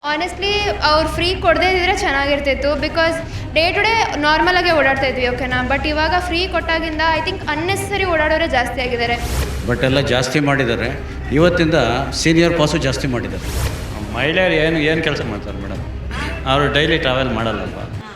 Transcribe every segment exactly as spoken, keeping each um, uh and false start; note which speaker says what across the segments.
Speaker 1: Honestly ಅವ್ರು free ಕೊಡದೇ ಇದ್ದರೆ ಚೆನ್ನಾಗಿರ್ತಿತ್ತು. ಬಿಕಾಸ್ ಡೇ ಟು ಡೇ ನಾರ್ಮಲಾಗೆ ಓಡಾಡ್ತಾ ಇದ್ವಿ, ಓಕೆನಾ. ಬಟ್ ಇವಾಗ ಫ್ರೀ ಕೊಟ್ಟಾಗಿಂದ ಐ ಥಿಂಕ್ ಅನ್ನೆಸರಿ ಓಡಾಡೋರೇ ಜಾಸ್ತಿ ಆಗಿದ್ದಾರೆ.
Speaker 2: ಬಟ್ ಎಲ್ಲ ಜಾಸ್ತಿ ಮಾಡಿದ್ದಾರೆ. ಇವತ್ತಿಂದ ಸೀನಿಯರ್ ಪಾಸು ಜಾಸ್ತಿ ಮಾಡಿದ್ದಾರೆ.
Speaker 3: ಮಹಿಳೆಯರು ಏನು ಏನು ಕೆಲಸ ಮಾಡ್ತಾರೆ ಮೇಡಮ್? ಅವರು ಡೈಲಿ ಟ್ರಾವೆಲ್ ಮಾಡಲ್ಲಪ್ಪ.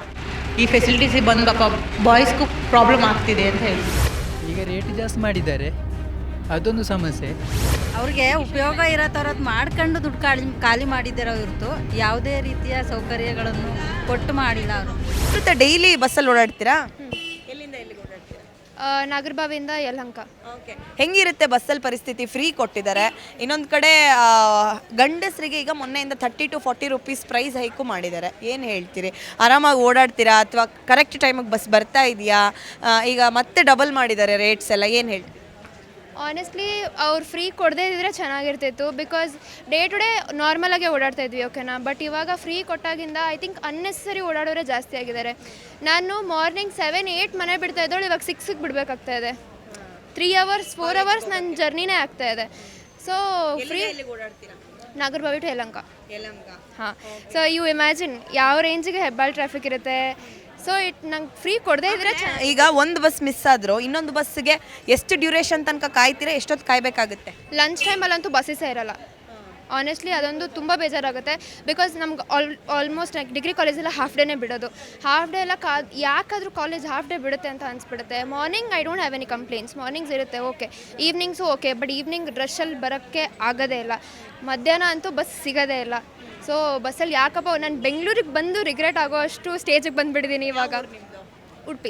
Speaker 4: ಈ ಫೆಸಿಲಿಟೀಸ್ ಬಂದು ಪಾಪ ಬಾಯ್ಸ್ಗೂ ಪ್ರಾಬ್ಲಮ್ ಆಗ್ತಿದೆ ಅಂತ ಹೇಳಿ
Speaker 5: ಈಗ ರೇಟ್ ಜಾಸ್ತಿ ಮಾಡಿದ್ದಾರೆ, ಅದೊಂದು ಸಮಸ್ಯೆ.
Speaker 6: ಅವ್ರಿಗೆ ಉಪಯೋಗ ಇರೋ ಥರದ್ದು ಮಾಡ್ಕೊಂಡು ದುಡ್ಡು ಖಾಲಿ ಖಾಲಿ ಮಾಡಿದ್ದಾರೋ ಹೊರತು ಯಾವುದೇ ರೀತಿಯ ಸೌಕರ್ಯಗಳನ್ನು ಕೊಟ್ಟು ಮಾಡಿಲ್ಲ ಅವರು.
Speaker 7: ಮತ್ತೆ ಡೈಲಿ ಬಸ್ಸಲ್ಲಿ ಓಡಾಡ್ತೀರಾ? ಎಲ್ಲಿಂದ ಎಲ್ಲಿಗೆ ಓಡಾಡ್ತೀರಾ?
Speaker 1: ನಾಗರಬಾವಿಯಿಂದ ಯಲಹಂಕ.
Speaker 7: ಓಕೆ, ಹೆಂಗಿರುತ್ತೆ ಬಸ್ಸಲ್ಲಿ ಪರಿಸ್ಥಿತಿ? ಫ್ರೀ ಕೊಟ್ಟಿದ್ದಾರೆ. ಇನ್ನೊಂದು ಕಡೆ ಆ, ಗಂಡಸರಿಗೆ ಈಗ ಮೊನ್ನೆಯಿಂದ thirty to forty rupees price hike ಮಾಡಿದ್ದಾರೆ. ಏನು ಹೇಳ್ತೀರಿ? ಆರಾಮಾಗಿ ಓಡಾಡ್ತೀರಾ ಅಥವಾ ಕರೆಕ್ಟ್ ಟೈಮಿಗೆ ಬಸ್ ಬರ್ತಾ ಇದೆಯಾ? ಈಗ ಮತ್ತೆ ಡಬಲ್ ಮಾಡಿದ್ದಾರೆ ರೇಟ್ಸ್ ಎಲ್ಲ, ಏನು ಹೇಳ್ತೀರಿ?
Speaker 1: ಆನೆಸ್ಟ್ಲಿ ಅವ್ರು ಫ್ರೀ ಕೊಡದೇ ಇದ್ದರೆ ಚೆನ್ನಾಗಿರ್ತಿತ್ತು. ಬಿಕಾಸ್ ಡೇ ಟು ಡೇ ನಾರ್ಮಲಾಗೆ ಓಡಾಡ್ತಾ ಇದ್ವಿ, ಓಕೆನಾ. ಬಟ್ ಇವಾಗ ಫ್ರೀ ಕೊಟ್ಟಾಗಿಂದ ಐ ಥಿಂಕ್ ಅನ್ನೆಸರಿ ಓಡಾಡೋರೇ ಜಾಸ್ತಿ ಆಗಿದ್ದಾರೆ. ನಾನು ಮಾರ್ನಿಂಗ್ ಸೆವೆನ್ ಏಯ್ಟ್ ಮನೆ ಬಿಡ್ತಾ ಇದ್ದೋಳು, ಇವಾಗ ಸಿಕ್ಸಿಗೆ ಬಿಡಬೇಕಾಗ್ತಾ ಇದೆ. ತ್ರೀ ಅವರ್ಸ್ ಫೋರ್ ಅವರ್ಸ್ ನನ್ನ ಜರ್ನಿನೇ ಆಗ್ತಾ ಇದೆ. So free Nagarabhavi to Yelahanka. ಹಾಂ, ಸೊ ಯು ಇಮ್ಯಾಜಿನ್ ಯಾವ ರೇಂಜಿಗೆ ಹೆಬ್ಬಾಳ್ ಟ್ರಾಫಿಕ್ ಇರುತ್ತೆ. ಸೊ ಇಟ್ ನಂಗೆ ಫ್ರೀ ಕೊಡದೇ ಇದ್ರೆ
Speaker 7: ಈಗ ಒಂದು ಬಸ್ ಮಿಸ್ ಆದರೂ ಇನ್ನೊಂದು ಬಸ್ಸಿಗೆ ಎಷ್ಟು ಡ್ಯೂರೇಷನ್ ತನಕ ಕಾಯ್ತೀರಾ? ಎಷ್ಟೊತ್ತು ಕಾಯಬೇಕಾಗುತ್ತೆ?
Speaker 1: ಲಂಚ್ ಟೈಮಲ್ಲಂತೂ ಬಸ್ಸೇ ಇರಲ್ಲ. ಆನೆಸ್ಟ್ಲಿ ಅದೊಂದು ತುಂಬ ಬೇಜಾರಾಗುತ್ತೆ. ಬಿಕಾಸ್ ನಮ್ಗೆ ಆಲ್ ಆಲ್ಮೋಸ್ಟ್ ಡಿಗ್ರಿ ಕಾಲೇಜೆಲ್ಲ ಹಾಫ್ ಡೇನೇ ಬಿಡೋದು. ಹಾಫ್ ಡೇ ಎಲ್ಲ ಕಾ ಯಾಕಾದರೂ ಕಾಲೇಜ್ ಹಾಫ್ ಡೇ ಬಿಡುತ್ತೆ ಅಂತ ಅನಿಸ್ಬಿಡುತ್ತೆ. Morning I don't have any complaints. Mornings ಇರುತ್ತೆ, okay. Evenings okay, but evening ರಶಲ್ಲಿ ಬರೋಕ್ಕೆ ಆಗೋದೇ ಇಲ್ಲ. ಮಧ್ಯಾಹ್ನ ಅಂತೂ ಬಸ್ ಸಿಗೋದೇ ಇಲ್ಲ. ಸೊ ಬಸ್ಸಲ್ಲಿ ಯಾಕಪ್ಪ ನಾನು ಬೆಂಗಳೂರಿಗೆ ಬಂದು ರಿಗ್ರೆಟ್ ಆಗೋ ಅಷ್ಟು ಸ್ಟೇಜಿಗೆ ಬಂದುಬಿಟ್ಟಿದ್ದೀನಿ ಇವಾಗ. ಉಡುಪಿ.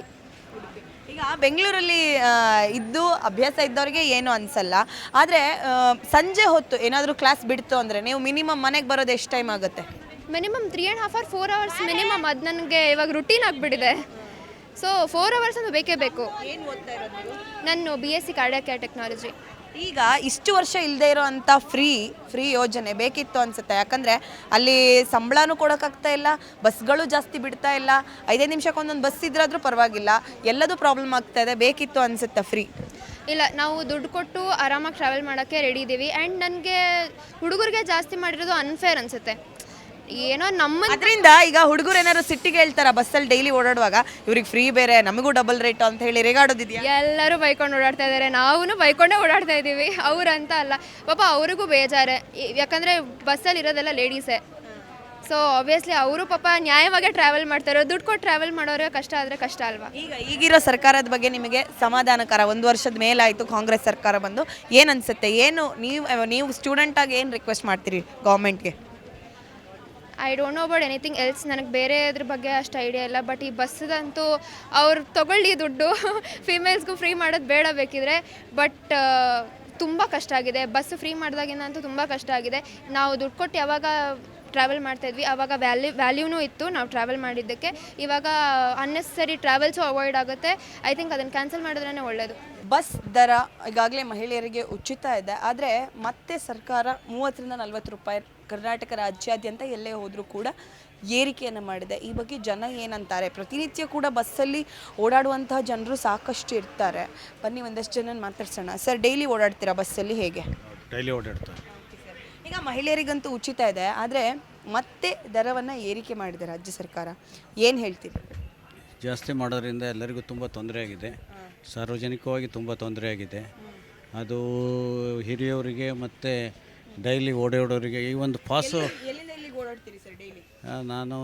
Speaker 7: ಈಗ ಬೆಂಗಳೂರಲ್ಲಿ ಇದ್ದು ಅಭ್ಯಾಸ ಇದ್ದವ್ರಿಗೆ ಏನು ಅನಿಸಲ್ಲ. ಆದರೆ ಸಂಜೆ ಹೊತ್ತು ಏನಾದರೂ ಕ್ಲಾಸ್ ಬಿಡ್ತು ಅಂದರೆ ನೀವು ಮಿನಿಮಮ್ ಮನೆಗೆ ಬರೋದು ಎಷ್ಟು ಟೈಮ್ ಆಗುತ್ತೆ?
Speaker 1: Minimum three and half or four hours minimum. ಅದು ನನಗೆ ಇವಾಗ ರುಟೀನ್ ಆಗಿಬಿಟ್ಟಿದೆ. ಸೊ ಫೋರ್ ಅವರ್ಸ್ ಅದು ಬೇಕೇ ಬೇಕು.
Speaker 7: ಏನು ಓದ್ತಾ ಇರೋದು ನೀವು?
Speaker 1: ನಾನು B S C cardiac care technology.
Speaker 7: ಈಗ ಇಷ್ಟು ವರ್ಷ ಇಲ್ಲದೆ ಇರೋ ಅಂಥ ಫ್ರೀ ಫ್ರೀ ಯೋಜನೆ ಬೇಕಿತ್ತು ಅನಿಸುತ್ತೆ. ಯಾಕಂದರೆ ಅಲ್ಲಿ ಸಂಬಳನೂ ಕೊಡೋಕ್ಕಾಗ್ತಾ ಇಲ್ಲ, ಬಸ್ಗಳು ಜಾಸ್ತಿ ಬಿಡ್ತಾ ಇಲ್ಲ. ಐದೈದು ನಿಮಿಷಕ್ಕೆ ಒಂದೊಂದು ಬಸ್ ಇದ್ರಾದ್ರೂ ಪರವಾಗಿಲ್ಲ, ಎಲ್ಲದೂ ಪ್ರಾಬ್ಲಮ್ ಆಗ್ತಾ ಇದೆ. ಬೇಕಿತ್ತು ಅನಿಸುತ್ತೆ ಫ್ರೀ.
Speaker 1: ಇಲ್ಲ, ನಾವು ದುಡ್ಡು ಕೊಟ್ಟು ಆರಾಮಾಗಿ ಟ್ರಾವೆಲ್ ಮಾಡೋಕ್ಕೆ ರೆಡಿ ಇದ್ದೀವಿ. ಆ್ಯಂಡ್ ನನಗೆ ಹುಡುಗರಿಗೆ ಜಾಸ್ತಿ ಮಾಡಿರೋದು ಅನ್ಫೇರ್ ಅನಿಸುತ್ತೆ. ಏನೋ ನಮ್ಮ
Speaker 7: ಅದರಿಂದ ಈಗ ಹುಡುಗರು ಏನಾದ್ರು ಸಿಟ್ಟಿಗೆ ಹೇಳ್ತಾರ ಬಸ್ಸಲ್ಲಿ ಡೈಲಿ ಓಡಾಡುವಾಗ, ಇವ್ರಿಗೆ ಫ್ರೀ ಬೇರೆ ನಮಗೂ ಡಬಲ್ ರೇಟ್ ಅಂತ ಹೇಳಿ ರೇಗಾಡೋದಿದೆಯಾ?
Speaker 1: ಎಲ್ಲರೂ ಬೈಕೊಂಡು ಓಡಾಡ್ತಾ ಇದ್ದಾರೆ, ನಾವು ಬೈಕೊಂಡೇ ಓಡಾಡ್ತಾ ಇದ್ದೀವಿ. ಅವ್ರಂತ ಅಲ್ಲ, ಪಾಪ ಅವ್ರಿಗೂ ಬೇಜಾರೆ. ಯಾಕಂದರೆ ಬಸ್ಸಲ್ಲಿ ಇರೋದೆಲ್ಲ ಲೇಡೀಸೇ. ಸೊ ಆಬ್ವಿಯಸ್ಲಿ ಅವರು ಪಾಪ ನ್ಯಾಯವಾಗೇ ಟ್ರಾವೆಲ್ ಮಾಡ್ತಾರೆ. ದುಡ್ಡು ಕೊಟ್ಟು ಟ್ರಾವೆಲ್ ಮಾಡೋರಿಗೆ ಕಷ್ಟ ಆದರೆ ಕಷ್ಟ ಅಲ್ವಾ?
Speaker 7: ಈಗ ಈಗಿರೋ ಸರ್ಕಾರದ ಬಗ್ಗೆ ನಿಮಗೆ ಸಮಾಧಾನಕರ? ಒಂದು ವರ್ಷದ ಮೇಲಾಯಿತು ಕಾಂಗ್ರೆಸ್ ಸರ್ಕಾರ ಬಂದು, ಏನು ಅನಿಸುತ್ತೆ? ಏನು ನೀವು ನೀವು ಸ್ಟೂಡೆಂಟಾಗಿ ಏನು ರಿಕ್ವೆಸ್ಟ್ ಮಾಡ್ತೀರಿ ಗೌರ್ಮೆಂಟ್ಗೆ?
Speaker 1: I don't know about anything else. ನನಗೆ ಬೇರೆ ಅದ್ರ ಬಗ್ಗೆ ಅಷ್ಟು ಐಡಿಯಾ ಇಲ್ಲ. ಬಟ್ ಈ ಬಸ್ಸದಂತೂ ಅವ್ರು ತೊಗೊಳ್ಳಿ ದುಡ್ಡು. ಫಿಮೇಲ್ಸ್ಗೂ ಫ್ರೀ ಮಾಡೋದು ಬೇಡ ಬೇಕಿದ್ರೆ. ಬಟ್ ತುಂಬ ಕಷ್ಟ ಆಗಿದೆ. ಬಸ್ ಫ್ರೀ ಮಾಡಿದಾಗಿಂದ ಅಂತೂ ತುಂಬ ಕಷ್ಟ ಆಗಿದೆ. ನಾವು ದುಡ್ಡು ಕೊಟ್ಟು ಯಾವಾಗ ಟ್ರಾವೆಲ್ ಮಾಡ್ತಾಯಿದ್ವಿ ಆವಾಗ ವ್ಯಾಲ್ಯೂ ವ್ಯಾಲ್ಯೂನೂ ಇತ್ತು ನಾವು ಟ್ರಾವೆಲ್ ಮಾಡಿದ್ದಕ್ಕೆ. ಇವಾಗ ಅನ್ನೆಸರಿ ಟ್ರಾವೆಲ್ಸು ಅವಾಯ್ಡ್ ಆಗುತ್ತೆ. ಐ ಥಿಂಕ್ ಅದನ್ನು ಕ್ಯಾನ್ಸಲ್ ಮಾಡಿದ್ರೇ ಒಳ್ಳೆಯದು.
Speaker 7: ಬಸ್ ದರ ಈಗಾಗಲೇ ಮಹಿಳೆಯರಿಗೆ ಉಚಿತ ಇದೆ, ಆದರೆ ಮತ್ತೆ ಸರ್ಕಾರ ಮೂವತ್ತರಿಂದ ನಲ್ವತ್ತು ರೂಪಾಯಿ ಕರ್ನಾಟಕ ರಾಜ್ಯಾದ್ಯಂತ ಎಲ್ಲೇ ಹೋದರೂ ಕೂಡ ಏರಿಕೆಯನ್ನು ಮಾಡಿದೆ. ಈ ಬಗ್ಗೆ ಜನ ಏನಂತಾರೆ? ಪ್ರತಿನಿತ್ಯ ಕೂಡ ಬಸ್ಸಲ್ಲಿ ಓಡಾಡುವಂತಹ ಜನರು ಸಾಕಷ್ಟು ಇರ್ತಾರೆ. ಬನ್ನಿ ಒಂದಷ್ಟು ಜನ ಮಾತಾಡ್ಸೋಣ. ಸರ್, ಡೈಲಿ ಓಡಾಡ್ತೀರಾ ಬಸ್ಸಲ್ಲಿ? ಹೇಗೆ?
Speaker 2: ಡೈಲಿ ಓಡಾಡ್ತಾರೆ.
Speaker 7: ಈಗ ಮಹಿಳೆಯರಿಗಂತೂ ಉಚಿತ ಇದೆ, ಆದರೆ ಮತ್ತೆ ದರವನ್ನು ಏರಿಕೆ ಮಾಡಿದೆ ರಾಜ್ಯ ಸರ್ಕಾರ. ಏನು ಹೇಳ್ತೀರಿ?
Speaker 2: ಜಾಸ್ತಿ ಮಾಡೋದ್ರಿಂದ ಎಲ್ಲರಿಗೂ ತುಂಬ ತೊಂದರೆ ಆಗಿದೆ. ಸಾರ್ವಜನಿಕವಾಗಿ ತುಂಬ ತೊಂದರೆ ಆಗಿದೆ. ಅದು ಹಿರಿಯವರಿಗೆ ಮತ್ತು ಡೈಲಿ ಓಡಾಡೋರಿಗೆ. ಈ ಒಂದು ಪಾಸು
Speaker 7: ಎಲ್ಲಿಂದ ಎಲ್ಲಿಗೆ ಓಡಾಡ್ತೀರಿ ಸರ್ ಡೈಲಿ?
Speaker 2: ನಾನು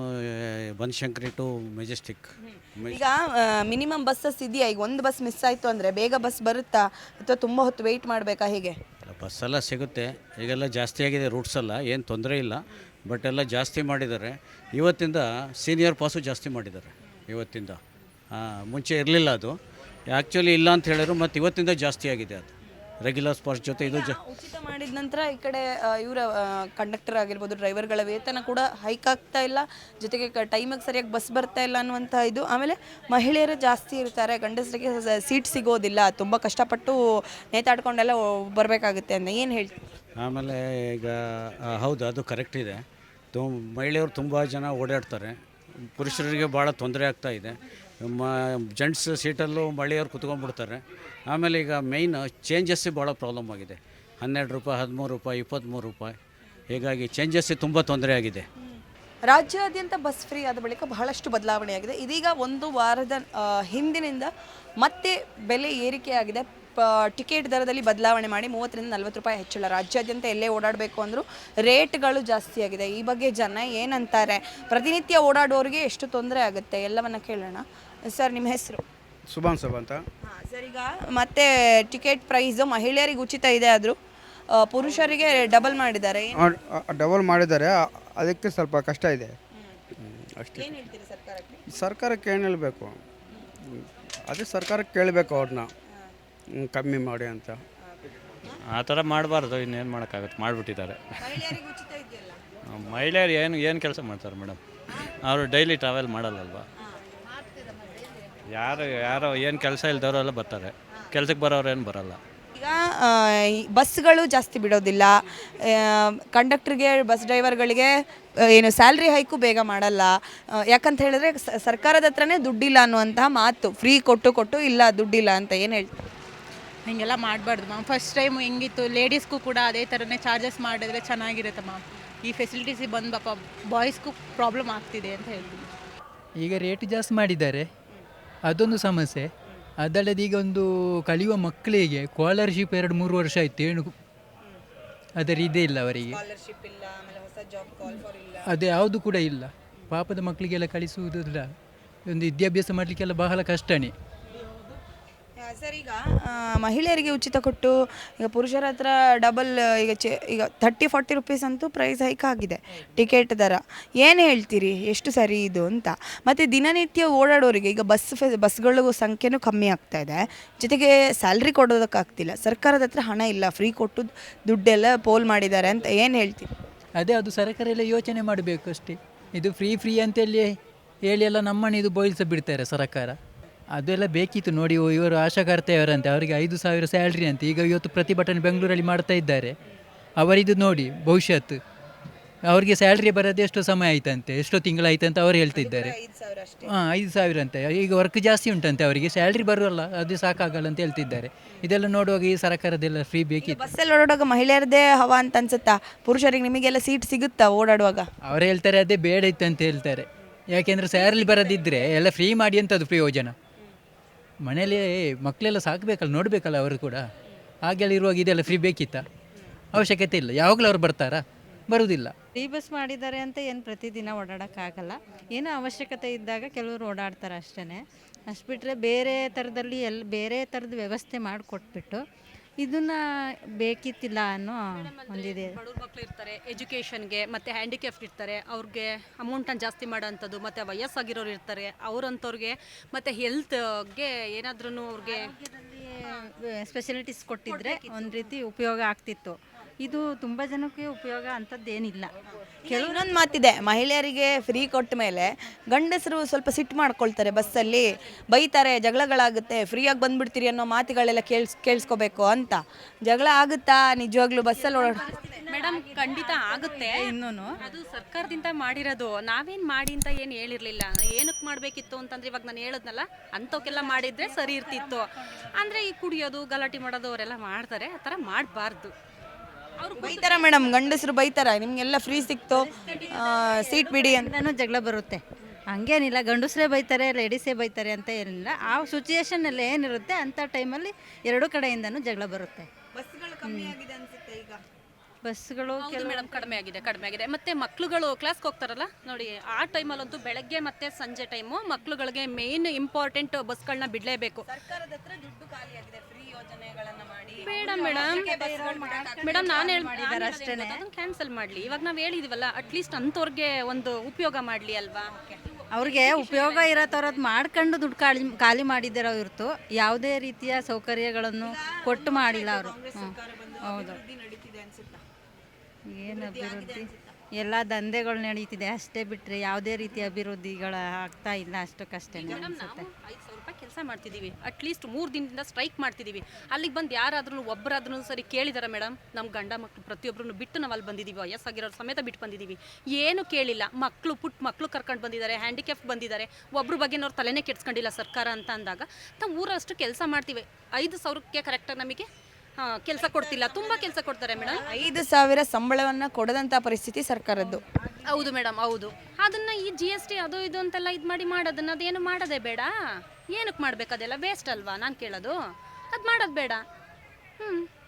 Speaker 2: ಬನಶಂಕರಿ ಟು ಮೆಜೆಸ್ಟಿಕ್.
Speaker 7: ಈಗ ಮಿನಿಮಮ್ ಬಸ್ಸಸ್ ಇದೆಯಾ? ಈಗ ಒಂದು ಬಸ್ ಮಿಸ್ ಆಯಿತು ಅಂದರೆ ಬೇಗ ಬಸ್ ಬರುತ್ತಾ ಅಥವಾ ತುಂಬ ಹೊತ್ತು ವೆಯ್ಟ್ ಮಾಡಬೇಕಾ? ಹೇಗೆ?
Speaker 2: ಬಸ್ಸೆಲ್ಲ ಸಿಗುತ್ತೆ. ಈಗೆಲ್ಲ ಜಾಸ್ತಿ ಆಗಿದೆ ರೂಟ್ಸೆಲ್ಲ, ಏನು ತೊಂದರೆ ಇಲ್ಲ. ಬಟ್ ಎಲ್ಲ ಜಾಸ್ತಿ ಮಾಡಿದ್ದಾರೆ. ಇವತ್ತಿಂದ ಸೀನಿಯರ್ ಪಾಸು ಜಾಸ್ತಿ ಮಾಡಿದ್ದಾರೆ ಇವತ್ತಿಂದ. ಮುಂಚೆ ಇರಲಿಲ್ಲ ಅದು, ಆ್ಯಕ್ಚುಲಿ ಇಲ್ಲ ಅಂತ ಹೇಳಿದ್ರು. ಮತ್ತು ಇವತ್ತಿಂದ ಜಾಸ್ತಿ ಆಗಿದೆ ಅದು ರೆಗ್ಯುಲರ್ ಪಾಸ್ ಜೊತೆ. ಇದು ಜ
Speaker 7: ಉಚಿತ ಮಾಡಿದ ನಂತರ ಈ ಕಡೆ ಇವರ ಕಂಡಕ್ಟರ್ ಆಗಿರ್ಬೋದು, ಡ್ರೈವರ್ಗಳ ವೇತನ ಕೂಡ ಹೈಕ್ ಆಗ್ತಾ ಇಲ್ಲ, ಜೊತೆಗೆ ಟೈಮಿಗೆ ಸರಿಯಾಗಿ ಬಸ್ ಬರ್ತಾ ಇಲ್ಲ ಅನ್ನುವಂಥ ಇದು. ಆಮೇಲೆ ಮಹಿಳೆಯರು ಜಾಸ್ತಿ ಇರ್ತಾರೆ, ಗಂಡಸರಿಗೆ ಸೀಟ್ ಸಿಗೋದಿಲ್ಲ, ತುಂಬ ಕಷ್ಟಪಟ್ಟು ನೇತಾಡ್ಕೊಂಡೆಲ್ಲ ಬರಬೇಕಾಗುತ್ತೆ ಅಂತ. ಏನು ಹೇಳ್ತೀವಿ?
Speaker 2: ಆಮೇಲೆ ಈಗ ಹೌದು, ಅದು ಕರೆಕ್ಟ್ ಇದೆ. ತು ಮಹಿಳೆಯರು ತುಂಬ ಜನ ಓಡಾಡ್ತಾರೆ. ಪುರುಷರಿಗೆ ಭಾಳ ತೊಂದರೆ ಆಗ್ತಾಯಿದೆ. ಮ ಜೆಂಟ್ಸ್ ಸೀಟಲ್ಲೂ ಮಹಿಳೆಯರು ಕುತ್ಕೊಂಡ್ಬಿಡ್ತಾರೆ. ಆಮೇಲೆ ಈಗ ಮೇಯ್ನ್ ಚೇಂಜಸ್ಸೇ ಭಾಳ ಪ್ರಾಬ್ಲಮ್ ಆಗಿದೆ. ಹನ್ನೆರಡು ರೂಪಾಯಿ, ಹದಿಮೂರು ರೂಪಾಯಿ, ಇಪ್ಪತ್ತ್ಮೂರು ರೂಪಾಯಿ. ಹೀಗಾಗಿ ಚೇಂಜಸ್ಸೇ ತುಂಬ ತೊಂದರೆ ಆಗಿದೆ.
Speaker 7: ರಾಜ್ಯಾದ್ಯಂತ ಬಸ್ ಫ್ರೀ ಆದ ಬಳಿಕ ಬಹಳಷ್ಟು ಬದಲಾವಣೆಯಾಗಿದೆ. ಇದೀಗ ಒಂದು ವಾರದ ಆ, ಹಿಂದಿನಿಂದ ಮತ್ತೆ ಬೆಲೆ ಏರಿಕೆಯಾಗಿದೆ. ಪ ಟಿಕೆಟ್ ದರದಲ್ಲಿ ಬದಲಾವಣೆ ಮಾಡಿ ಮೂವತ್ತರಿಂದ ನಲ್ವತ್ತು ರೂಪಾಯಿ ಹೆಚ್ಚಳ. ರಾಜ್ಯಾದ್ಯಂತ ಎಲ್ಲೇ ಓಡಾಡಬೇಕು ಅಂದರೂ ರೇಟ್ಗಳು ಜಾಸ್ತಿ ಆಗಿದೆ. ಈ ಬಗ್ಗೆ ಜನ ಏನಂತಾರೆ, ಪ್ರತಿನಿತ್ಯ ಓಡಾಡೋರಿಗೆ ಎಷ್ಟು ತೊಂದರೆ ಆಗುತ್ತೆ ಎಲ್ಲವನ್ನ ಕೇಳೋಣ. ಸರ್, ನಿಮ್ಮ ಹೆಸರು?
Speaker 8: ಸುಭಾನ್ ಸಬ್ ಅಂತ.
Speaker 7: ಹಾಂ ಸರ್, ಈಗ ಮತ್ತೆ ಟಿಕೆಟ್ ಪ್ರೈಸು ಮಹಿಳೆಯರಿಗೆ ಉಚಿತ ಇದೆ, ಆದರೂ ಪುರುಷರಿಗೆ ಡಬಲ್ ಮಾಡಿದ್ದಾರೆ.
Speaker 8: ಡಬಲ್ ಮಾಡಿದ್ದಾರೆ, ಅದಕ್ಕೆ ಸ್ವಲ್ಪ ಕಷ್ಟ ಇದೆ ಅಷ್ಟೇ.
Speaker 7: ಏನು ಹೇಳ್ತೀರಿ ಸರ್ಕಾರಕ್ಕೆ?
Speaker 8: ಸರ್ಕಾರಕ್ಕೆ ಏನು ಹೇಳಬೇಕು, ಅದೇ ಸರ್ಕಾರಕ್ಕೆ ಕೇಳಬೇಕು ಅವ್ರನ್ನ ಕಮ್ಮಿ ಮಾಡಿ ಅಂತ.
Speaker 3: ಆ ಥರ ಮಾಡಬಾರ್ದು, ಇನ್ನೇನು ಮಾಡೋಕ್ಕಾಗುತ್ತೆ, ಮಾಡಿಬಿಟ್ಟಿದ್ದಾರೆ.
Speaker 7: ಮಹಿಳೆಯರಿಗೆ ಉಚಿತ ಇದೆಯಲ್ಲ,
Speaker 3: ಮಹಿಳೆಯರು ಏನು ಏನು ಕೆಲಸ ಮಾಡ್ತಾರೆ ಮೇಡಮ್? ಅವರು ಡೈಲಿ ಟ್ರಾವೆಲ್ ಮಾಡಲ್ಲಲ್ವಾ? ಯಾರು ಯಾರೋ ಏನು ಕೆಲಸ ಇಲ್ದವರೆಲ್ಲ ಬರ್ತಾರೆ, ಕೆಲ್ಸಕ್ಕೆ ಬರೋರು ಏನು ಬರಲ್ಲ.
Speaker 7: ಈಗ ಆ, ಈ ಬಸ್ಗಳು ಜಾಸ್ತಿ ಬಿಡೋದಿಲ್ಲ. ಕಂಡಕ್ಟ್ರಿಗೆ, ಬಸ್ ಡ್ರೈವರ್ಗಳಿಗೆ ಆ, ಏನು ಸ್ಯಾಲ್ರಿ ಹೈಕು ಬೇಗ ಮಾಡಲ್ಲ. ಆ, ಯಾಕಂತ ಹೇಳಿದ್ರೆ ಸ- ಸರ್ಕಾರದ ಹತ್ರನೇ ದುಡ್ಡಿಲ್ಲ ಅನ್ನುವಂತಹ ಮಾತು. ಫ್ರೀ ಕೊಟ್ಟು ಕೊಟ್ಟು ಇಲ್ಲ ದುಡ್ಡಿಲ್ಲ ಅಂತ ಏನು ಹೇಳ್ತಾರೆ?
Speaker 4: ಹೀಗೆಲ್ಲ ಮಾಡಬಾರ್ದು ಮ್ಯಾಮ್. ಫಸ್ಟ್ ಟೈಮ್ ಹೆಂಗಿತ್ತು, ಲೇಡೀಸ್ಗೂ ಕೂಡ ಅದೇ ಥರನೇ ಚಾರ್ಜಸ್ ಮಾಡಿದ್ರೆ ಚೆನ್ನಾಗಿರುತ್ತೆ ಮ್ಯಾಮ್. ಈ ಫೆಸಿಲಿಟೀಸ್ ಬಂದು ಪಾಪ ಬಾಯ್ಸ್ಗೂ ಪ್ರಾಬ್ಲಮ್ ಆಗ್ತಿದೆ ಅಂತ ಹೇಳ್ತೀನಿ.
Speaker 5: ಈಗ ರೇಟ್ ಜಾಸ್ತಿ ಮಾಡಿದ್ದಾರೆ, ಅದೊಂದು ಸಮಸ್ಯೆ. ಅದಲ್ಲದೆ ಈಗ ಒಂದು ಕಲಿಯುವ ಮಕ್ಕಳಿಗೆ ಸ್ಕಾಲರ್ಶಿಪ್ ಎರಡು ಮೂರು ವರ್ಷ ಆಯಿತು, ಏನು ಅದರ ಇದೇ ಇಲ್ಲ ಅವರಿಗೆ, ಅದು ಯಾವುದು ಕೂಡ ಇಲ್ಲ. ಪಾಪದ ಮಕ್ಕಳಿಗೆಲ್ಲ ಕಲಿಸುವುದಿಲ್ಲ, ಒಂದು ವಿದ್ಯಾಭ್ಯಾಸ ಮಾಡಲಿಕ್ಕೆಲ್ಲ ಬಹಳ ಕಷ್ಟನೇ.
Speaker 7: ಸರ್, ಈಗ ಆ, ಮಹಿಳೆಯರಿಗೆ ಉಚಿತ ಕೊಟ್ಟು ಈಗ ಪುರುಷರ ಹತ್ರ ಡಬಲ್, ಈಗ ಚೆ ಈಗ ಥರ್ಟಿ ಫಾರ್ಟಿ ರುಪೀಸ್ ಅಂತೂ ಪ್ರೈಸ್ ಹೈಕ್ ಆಗಿದೆ ಟಿಕೆಟ್ ದರ. ಏನು ಹೇಳ್ತೀರಿ, ಎಷ್ಟು ಸರಿ ಇದು ಅಂತ? ಮತ್ತು ದಿನನಿತ್ಯ ಓಡಾಡೋರಿಗೆ ಈಗ ಬಸ್ ಫೆ ಬಸ್ಗಳು ಸಂಖ್ಯೆನೂ ಕಮ್ಮಿ ಆಗ್ತಾ ಇದೆ, ಜೊತೆಗೆ ಸ್ಯಾಲ್ರಿ ಕೊಡೋದಕ್ಕಾಗ್ತಿಲ್ಲ. ಸರ್ಕಾರದ ಹತ್ರ ಹಣ ಇಲ್ಲ, ಫ್ರೀ ಕೊಟ್ಟು ದುಡ್ಡೆಲ್ಲ ಪೋಲ್ ಮಾಡಿದ್ದಾರೆ ಅಂತ ಏನು ಹೇಳ್ತೀರಿ?
Speaker 5: ಅದೇ ಅದು ಸರ್ಕಾರ ಎಲ್ಲ ಯೋಚನೆ ಮಾಡಬೇಕು ಅಷ್ಟೇ. ಇದು ಫ್ರೀ ಫ್ರೀ ಅಂತೇಳಿ ಹೇಳಿ ಎಲ್ಲ ನಮ್ಮನ್ನು ಇದು ಬೋಯಿಸ ಬಿಡ್ತಾರೆ ಸರ್ಕಾರ. ಅದೆಲ್ಲ ಬೇಕಿತ್ತು ನೋಡಿ. ಇವರು ಆಶಾಕರ್ತೆಯವರಂತೆ, ಅವರಿಗೆ ಐದು ಸಾವಿರ ಸ್ಯಾಲ್ರಿ ಅಂತ. ಈಗ ಇವತ್ತು ಪ್ರತಿಭಟನೆ ಬೆಂಗಳೂರಲ್ಲಿ ಮಾಡ್ತಾ ಇದ್ದಾರೆ. ಅವರಿದು ನೋಡಿ ಭವಿಷ್ಯತ್ತು, ಅವರಿಗೆ ಸ್ಯಾಲ್ರಿ ಬರೋದು ಎಷ್ಟೋ ಸಮಯ ಆಯ್ತಂತೆ, ಎಷ್ಟೋ ತಿಂಗಳಾಯ್ತು ಅಂತ ಅವರು ಹೇಳ್ತಿದ್ದಾರೆ. ಹಾಂ, ಐದು ಸಾವಿರ ಅಂತೆ. ಈಗ ವರ್ಕ್ ಜಾಸ್ತಿ ಉಂಟಂತೆ, ಅವರಿಗೆ ಸ್ಯಾಲ್ರಿ ಬರೋಲ್ಲ, ಅದು ಸಾಕಾಗಲ್ಲ ಅಂತ ಹೇಳ್ತಿದ್ದಾರೆ. ಇದೆಲ್ಲ ನೋಡುವಾಗ ಈ ಸರ್ಕಾರದೆಲ್ಲ ಫ್ರೀ ಬೇಕಿತ್ತು.
Speaker 7: ಬಸ್ಸಲ್ಲಿ ಓಡಾಡುವಾಗ ಮಹಿಳೆಯರದೇ ಹವಾ ಅಂತ ಅನ್ಸುತ್ತಾ? ಪುರುಷರಿಗೆ ನಿಮಗೆಲ್ಲ ಸೀಟ್ ಸಿಗುತ್ತಾ ಓಡಾಡುವಾಗ?
Speaker 5: ಅವರು ಹೇಳ್ತಾರೆ ಅದೇ ಬೇಡ ಇತ್ತು ಅಂತ ಹೇಳ್ತಾರೆ. ಯಾಕೆಂದರೆ ಸ್ಯಾಲ್ರಿ ಬರೋದಿದ್ದರೆ ಎಲ್ಲ ಫ್ರೀ ಮಾಡಿ ಅಂತದ್ದು ಪ್ರಯೋಜನ. ಮನೇಲಿ ಮಕ್ಕಳೆಲ್ಲ ಸಾಕಬೇಕಲ್ಲ, ನೋಡಬೇಕಲ್ಲ ಅವರು ಕೂಡ. ಹಾಗೆಲ್ಲ ಇರುವಾಗ ಇದೆಲ್ಲ ಫ್ರೀ ಬೇಕಿತ್ತ? ಅವಶ್ಯಕತೆ ಇಲ್ಲ. ಯಾವಾಗಲೂ ಅವ್ರು ಬರ್ತಾರಾ? ಬರುವುದಿಲ್ಲ.
Speaker 6: ಫ್ರೀ ಬಸ್ ಮಾಡಿದ್ದಾರೆ ಅಂತ ಏನು ಪ್ರತಿದಿನ ಓಡಾಡೋಕ್ಕಾಗಲ್ಲ. ಏನೋ ಅವಶ್ಯಕತೆ ಇದ್ದಾಗ ಕೆಲವರು ಓಡಾಡ್ತಾರೆ ಅಷ್ಟೇ. ಅಷ್ಟು ಬಿಟ್ಟರೆ ಬೇರೆ ಥರದಲ್ಲಿ ಎಲ್ಲಿ ಬೇರೆ ಥರದ ವ್ಯವಸ್ಥೆ ಮಾಡಿಕೊಟ್ಬಿಟ್ಟು ಇದನ್ನು ಬೇಕಿತ್ತಿಲ್ಲ ಅನ್ನೋ ಒಂದಿದೆ.
Speaker 9: ಬಡವ್ರ ಮಕ್ಕಳು ಇರ್ತಾರೆ, ಎಜುಕೇಷನ್ಗೆ ಮತ್ತು ಹ್ಯಾಂಡಿಕ್ಯಾಫ್ಟ್ ಇರ್ತಾರೆ, ಅವ್ರಿಗೆ ಅಮೌಂಟನ್ನು ಜಾಸ್ತಿ ಮಾಡೋಂಥದ್ದು, ಮತ್ತು ವಯಸ್ಸಾಗಿರೋರು ಇರ್ತಾರೆ, ಅವರಂಥವ್ರಿಗೆ ಮತ್ತು ಹೆಲ್ತ್ಗೆ ಏನಾದ್ರೂ ಅವ್ರಿಗೆ
Speaker 6: ಸ್ಪೆಷಲಿಟೀಸ್ ಕೊಟ್ಟಿದ್ರೆ ಒಂದು ರೀತಿ ಉಪಯೋಗ ಆಗ್ತಿತ್ತು. ಇದು ತುಂಬ ಜನಕ್ಕೆ ಉಪಯೋಗ ಅಂಥದ್ದೇನಿಲ್ಲ.
Speaker 7: ಕೆಲವು ಇನ್ನೊಂದು ಮಾತಿದೆ, ಮಹಿಳೆಯರಿಗೆ ಫ್ರೀ ಕೊಟ್ಟ ಮೇಲೆ ಗಂಡಸರು ಸ್ವಲ್ಪ ಸಿಟ್ಟು ಮಾಡ್ಕೊಳ್ತಾರೆ, ಬಸ್ಸಲ್ಲಿ ಬೈತಾರೆ, ಜಗಳಗಳಾಗುತ್ತೆ, ಫ್ರೀಯಾಗಿ ಬಂದ್ಬಿಡ್ತೀರಿ ಅನ್ನೋ ಮಾತುಗಳೆಲ್ಲ ಕೇಳ್ಸ್ ಕೇಳಿಸ್ಕೋಬೇಕು ಅಂತ. ಜಗಳ ಆಗುತ್ತಾ ನಿಜವಾಗ್ಲೂ ಬಸ್ಸಲ್ಲಿ ಓಡಾಡ?
Speaker 9: ಮೇಡಮ್, ಖಂಡಿತ ಆಗುತ್ತೆ. ಇನ್ನೂ ಅದು ಸರ್ಕಾರದಿಂದ ಮಾಡಿರೋದು, ನಾವೇನು ಮಾಡಿ ಅಂತ ಏನು ಹೇಳಿರಲಿಲ್ಲ. ಏನಕ್ಕೆ ಮಾಡಬೇಕಿತ್ತು ಅಂತಂದ್ರೆ ಇವಾಗ ನಾನು ಹೇಳಿದ್ನಲ್ಲ, ಅಂಥವಕ್ಕೆಲ್ಲ ಮಾಡಿದರೆ ಸರಿ ಇರ್ತಿತ್ತು. ಅಂದರೆ ಈ ಕುಡಿಯೋದು, ಗಲಾಟೆ ಮಾಡೋದು ಅವರೆಲ್ಲ ಮಾಡ್ತಾರೆ, ಆ ಥರ ಮಾಡಬಾರ್ದು.
Speaker 7: ಅವ್ರು ಬೈತಾರ ಮೇಡಮ್, ಗಂಡಸರು ಬೈತಾರ, ನಿಮಗೆಲ್ಲ ಫ್ರೀ ಸಿಕ್ತು, ಸೀಟ್ ಬಿಡಿ ಅಂತ.
Speaker 6: ನಾನು ಜಗಳ ಬರುತ್ತೆ, ಹಂಗೇನಿಲ್ಲ. ಗಂಡಸರೇ ಬೈತಾರೆ, ಲೇಡೀಸೇ ಬೈತಾರೆ ಅಂತ ಏನಿಲ್ಲ. ಆ ಸಿಚುಯೇಷನಲ್ಲಿ ಏನಿರುತ್ತೆ ಅಂಥ ಟೈಮಲ್ಲಿ ಎರಡೂ ಕಡೆಯಿಂದನೂ ಜಗಳ ಬರುತ್ತೆ.
Speaker 7: ಬಸ್ಗಳು ಕಮ್ಮಿ ಆಗಿದೆ ಅನ್ಸುತ್ತೆ ಈಗ.
Speaker 6: ಬಸ್ಗಳು
Speaker 9: ಹೌದು ಮೇಡಮ್, ಕಡಿಮೆ ಆಗಿದೆ ಕಡಿಮೆ ಆಗಿದೆ ಮತ್ತು ಮಕ್ಳುಗಳು ಕ್ಲಾಸ್ಗೆ ಹೋಗ್ತಾರಲ್ಲ ನೋಡಿ, ಆ ಟೈಮಲ್ಲಂತೂ ಬೆಳಗ್ಗೆ ಮತ್ತು ಸಂಜೆ ಟೈಮು ಮಕ್ಳುಗಳಿಗೆ ಮೇನ್ ಇಂಪಾರ್ಟೆಂಟ್ ಬಸ್ಗಳನ್ನ ಬಿಡಲೇಬೇಕು.
Speaker 7: ಸರ್ಕಾರದ ಹತ್ರ ದುಡ್ಡು ಖಾಲಿ ಆಗಿದೆ, ಫ್ರೀ ಯೋಜನೆಗಳನ್ನ ಮಾಡಿ.
Speaker 9: ಬೇಡ ಮೇಡಮ್, ಮೇಡಮ್ ನಾನು ಹೇಳಿದ್ದಾರೆ ಅಷ್ಟೇ, ಅದನ್ನು ಕ್ಯಾನ್ಸಲ್ ಮಾಡಲಿ. ಇವಾಗ ನಾವು ಹೇಳಿದೀವಲ್ಲ, ಅಟ್ಲೀಸ್ಟ್ ಅಂಥವ್ರಿಗೆ ಒಂದು ಉಪಯೋಗ ಮಾಡಲಿ ಅಲ್ವಾ?
Speaker 6: ಅವ್ರಿಗೆ ಉಪಯೋಗ ಇರೋ ಥರದ್ದು ಮಾಡ್ಕೊಂಡು ದುಡ್ಡು ಖಾಲಿ ಖಾಲಿ ಮಾಡಿದ್ದಾರೋ ಹೊರತು ಯಾವುದೇ ರೀತಿಯ ಸೌಕರ್ಯಗಳನ್ನು ಕೊಟ್ಟು ಮಾಡಿಲ್ಲ ಅವರು. ಹೌದು, ಏನು ಅಭಿವೃದ್ಧಿ? ಎಲ್ಲ ದಂಧೆಗಳು ನಡೀತಿದೆ ಅಷ್ಟೇ, ಬಿಟ್ಟರೆ ಯಾವುದೇ ರೀತಿಯ ಅಭಿವೃದ್ಧಿಗಳು ಆಗ್ತಾ ಇಲ್ಲ. ಅಷ್ಟಕ್ಕಷ್ಟೇ ಅನಿಸುತ್ತೆ.
Speaker 9: ಐದು ಸಾವಿರ ರೂಪಾಯಿ ಕೆಲಸ ಮಾಡ್ತಿದ್ದೀವಿ, ಅಟ್ಲೀಸ್ಟ್ ಮೂರು ದಿನದಿಂದ ಸ್ಟ್ರೈಕ್ ಮಾಡ್ತಿದ್ದೀವಿ. ಅಲ್ಲಿಗೆ ಬಂದು ಯಾರಾದ್ರೂ ಒಬ್ಬರಾದ್ರೂ ಸರಿ ಕೇಳಿದಾರೆ ಮೇಡಮ್? ನಮ್ಮ ಗಂಡ ಮಕ್ಕಳು ಪ್ರತಿಯೊಬ್ಬರನ್ನು ಬಿಟ್ಟು ನಾವು ಅಲ್ಲಿ ಬಂದಿದ್ದೀವಿ, ವಯಸ್ಸಾಗಿರೋರು ಸಮೇತ ಬಿಟ್ಟು ಬಂದಿದ್ದೀವಿ, ಏನು ಕೇಳಿಲ್ಲ. ಮಕ್ಕಳು ಪುಟ್ಟ ಮಕ್ಕಳು ಕರ್ಕೊಂಡು ಬಂದಿದ್ದಾರೆ, ಹ್ಯಾಂಡಿಕ್ಯಾಫ್ಟ್ ಬಂದಿದ್ದಾರೆ, ಒಬ್ಬರ ಬಗ್ಗೆ ಅವ್ರು ತಲೆನೇ ಕೆಡ್ಸ್ಕೊಂಡಿಲ್ಲ ಸರ್ಕಾರ ಅಂತ ಅಂದಾಗ ನಾವು ಊರಷ್ಟು ಕೆಲಸ ಮಾಡ್ತೀವಿ. ಐದು ಸಾವಿರಕ್ಕೆ ಕರೆಕ್ಟಾಗಿ ನಮಗೆ ಕೆಲಸ ಕೊಡ್ತಿಲ್ಲ, ತುಂಬ ಕೆಲಸ ಕೊಡ್ತಾರೆ ಮೇಡಮ್.
Speaker 7: ಐದು ಸಾವಿರ ಸಂಬಳವನ್ನು ಕೊಡದಂಥ ಪರಿಸ್ಥಿತಿ ಸರ್ಕಾರದ್ದು.
Speaker 9: ಹೌದು ಮೇಡಮ್, ಹೌದು. ಅದನ್ನು ಈ ಜಿ ಎಸ್ ಟಿ ಅದು ಇದು ಅಂತೆಲ್ಲ ಇದು ಮಾಡಿ ಮಾಡೋದನ್ನ ಅದೇನು ಮಾಡೋದೇ ಬೇಡ. ಏನಕ್ಕೆ ಮಾಡಬೇಕು? ಅದೆಲ್ಲ ವೇಸ್ಟ್ ಅಲ್ವಾ ನಾನು ಕೇಳೋದು. ಅದು ಮಾಡೋದು ಬೇಡ. ಹ್ಞೂ